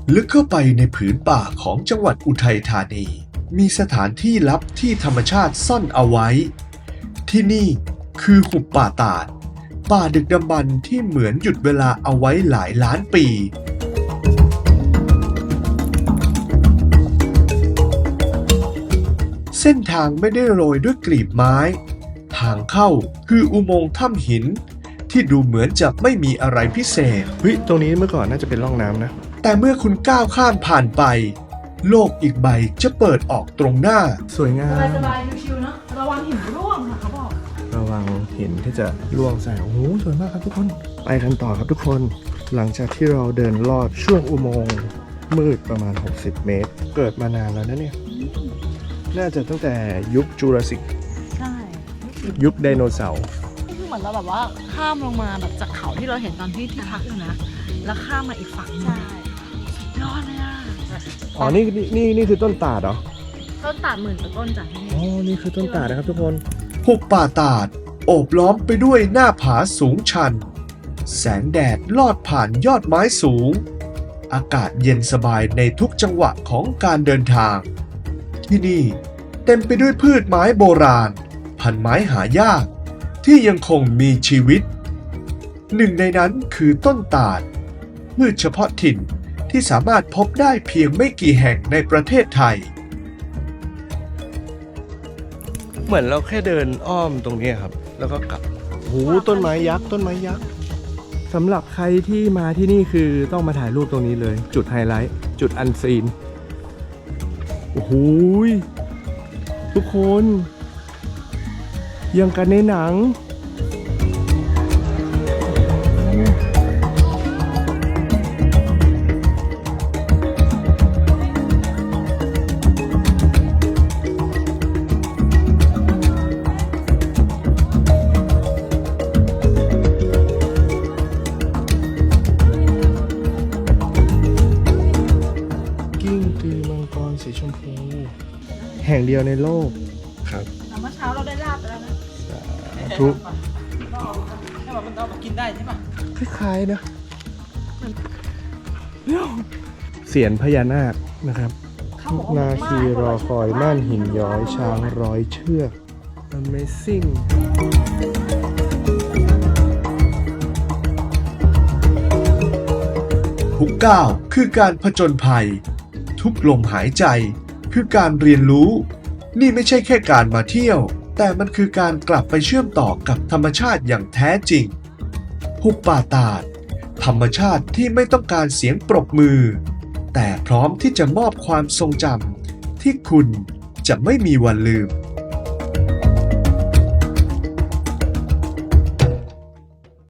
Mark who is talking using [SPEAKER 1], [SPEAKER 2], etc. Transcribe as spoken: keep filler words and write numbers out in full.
[SPEAKER 1] ลึกเข้าไปในผืนป่าของจังหวัดอุทัยธานีมีสถานที่ลับที่ธรรมชาติซ่อนเอาไว้ที่นี่คือหุบป่าตาดป่าดึกดำบรรพ์ที่เหมือนหยุดเวลาเอาไว้หลายล้านปีเส้นทางไม่ได้โรยด้วยกลีบไม้ทางเข้าคืออุโมงค์ถ้ำหินที่ดูเหมือนจะไม่มีอะไรพิเศษ
[SPEAKER 2] เฮ้ยตรงนี้เมื่อก่อนน่าจะเป็นร่องน้ำนะ
[SPEAKER 1] แต่เมื่อคุณก้าวข้ามผ่านไปโลกอีกใบจะเปิดออกตรงหน้า
[SPEAKER 2] สวยงาม
[SPEAKER 3] สบายๆชิวๆเนาะระวังหินร่วงค่ะเขาบอก
[SPEAKER 2] ระวังหินที่จะร่วงใส่โอ้โหสวยมากครับทุกคนไปกันต่อครับทุกคนหลังจากที่เราเดินลอดช่วงอุโมงค์มืดประมาณหกสิบเมตรเกิดมานานแล้วนะเนี่ยน่าจะตั้งแต่ยุคจูราสสิก
[SPEAKER 3] ใช่
[SPEAKER 2] ยุคไดโนเสาร์
[SPEAKER 3] นี่คือเหมือนเราแบบว่าข้ามลงมาแบบจากเขาที่เราเห็นตอนที่ที่พักอยู่นะแล้วข้ามมาอีกฝั่งใช่สุดยอดเลยอ่ะ
[SPEAKER 2] อ๋อนี่นี่นี่คือต้นตาดเหรอ
[SPEAKER 3] ต้นตาดหมื่นกว่าต้นจากที่นี่
[SPEAKER 2] อ๋อนี่คือต้นตาดนะครับทุกคน
[SPEAKER 1] หุบป่าตาดโอบล้อมไปด้วยหน้าผาสูงชันแสงแดดลอดผ่านยอดไม้สูงอากาศเย็นสบายในทุกจังหวะของการเดินทางที่นี่เต็มไปด้วยพืชไม้โบราณพันไม้หายากที่ยังคงมีชีวิตหนึ่งในนั้นคือต้นตาดพืชเฉพาะถิ่นที่สามารถพบได้เพียงไม่กี่แห่งในประเทศไทย
[SPEAKER 2] เหมือนเราแค่เดินอ้อมตรงนี้ครับแล้วก็กลับโอ้ต้นไม้ยักษ์ต้นไม้ยักษ์สำหรับใครที่มาที่นี่คือต้องมาถ่ายรูปตรงนี้เลยจุดไฮไลท์จุดอันซีนโอ้โหทุกคนยังกันในหนังกิ้งกือมังกรสีชมพูแห่งเดียวในโลกครับ
[SPEAKER 3] เมื่อเช้าเราได้ลาบไปแล้วนะ
[SPEAKER 2] ทุก
[SPEAKER 3] ให้มันเอามากินได้ใช่ปะ
[SPEAKER 2] คล้ายๆนะเสียนพญานาคนะครับนาคีรอคอยม่านหินย้อยช้างร้อยเชือก Amazing
[SPEAKER 1] ทุกก้าวคือการผจญภัยทุกลมหายใจคือการเรียนรู้นี่ไม่ใช่แค่การมาเที่ยวแต่มันคือการกลับไปเชื่อมต่อกับธรรมชาติอย่างแท้จริงหุบป่าตาดธรรมชาติที่ไม่ต้องการเสียงปรบมือแต่พร้อมที่จะมอบความทรงจำที่คุณจะไม่มีวันลืม